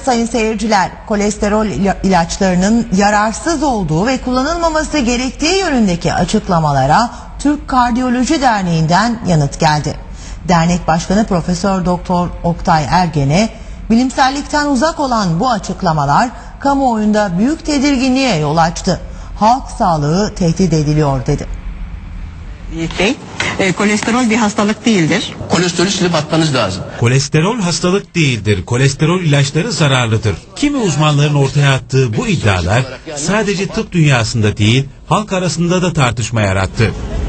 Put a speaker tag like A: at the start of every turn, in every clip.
A: sayın seyirciler, kolesterol ilaçlarının yararsız olduğu ve kullanılmaması gerektiği yönündeki açıklamalara Türk Kardiyoloji Derneği'nden yanıt geldi. Dernek Başkanı Profesör Doktor Oktay Ergen'e bilimsellikten uzak olan bu açıklamalar kamuoyunda büyük tedirginliğe yol açtı. Halk sağlığı tehdit ediliyor dedi.
B: Kolesterol bir hastalık değildir.
C: Kolesterolü silip atmanız lazım.
D: Kolesterol hastalık değildir. Kolesterol ilaçları zararlıdır. Kimi uzmanların ortaya attığı bu iddialar sadece tıp dünyasında değil, halk arasında da tartışma yarattı.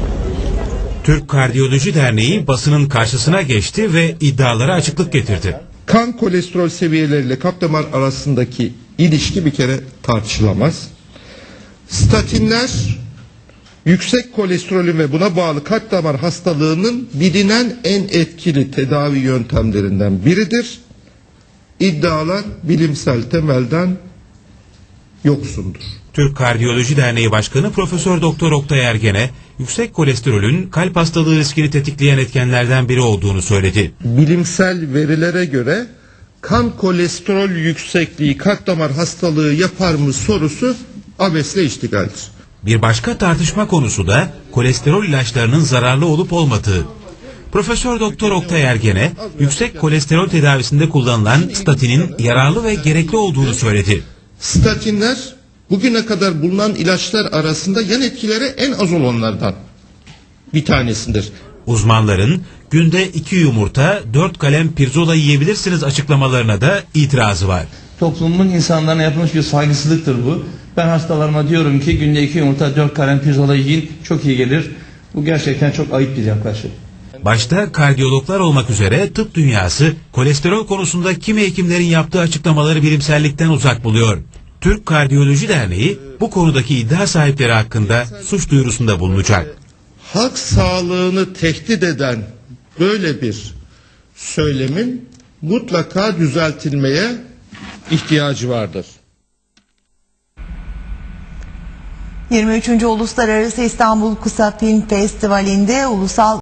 D: Türk Kardiyoloji Derneği basının karşısına geçti ve iddialara açıklık getirdi.
E: Kan kolesterol seviyeleriyle kalp damar arasındaki ilişki bir kere tartışılamaz. Statinler yüksek kolesterolün ve buna bağlı kalp damar hastalığının bilinen en etkili tedavi yöntemlerinden biridir. İddialar bilimsel temelden yoksundur.
D: Türk Kardiyoloji Derneği Başkanı Profesör Doktor Oktay Ergen'e yüksek kolesterolün kalp hastalığı riskini tetikleyen etkenlerden biri olduğunu söyledi.
E: Bilimsel verilere göre kan kolesterol yüksekliği kalp damar hastalığı yapar mı sorusu abesle iştigaldir.
D: Bir başka tartışma konusu da kolesterol ilaçlarının zararlı olup olmadığı. Profesör Doktor Oktay Ergen'e yüksek kolesterol tedavisinde kullanılan statinin yararlı ve gerekli olduğunu söyledi.
E: Statinler bugüne kadar bulunan ilaçlar arasında yan etkileri en az olanlardan bir tanesidir.
D: Uzmanların günde 2 yumurta 4 kalem pirzola yiyebilirsiniz açıklamalarına da itirazı var.
F: Toplumun insanlarına yapılmış bir saygısızlıktır bu. Ben hastalarıma diyorum ki günde 2 yumurta 4 kalem pirzola yiyin, çok iyi gelir. Bu gerçekten çok ayıp bir yaklaşım.
D: Başta kardiyologlar olmak üzere tıp dünyası kolesterol konusunda kimi hekimlerin yaptığı açıklamaları bilimsellikten uzak buluyor. Türk Kardiyoloji Derneği bu konudaki iddia sahipleri hakkında suç duyurusunda bulunacak.
E: Halk sağlığını tehdit eden böyle bir söylemin mutlaka düzeltilmeye ihtiyacı vardır.
A: 23. Uluslararası İstanbul Kısa Film Festivali'nde ulusal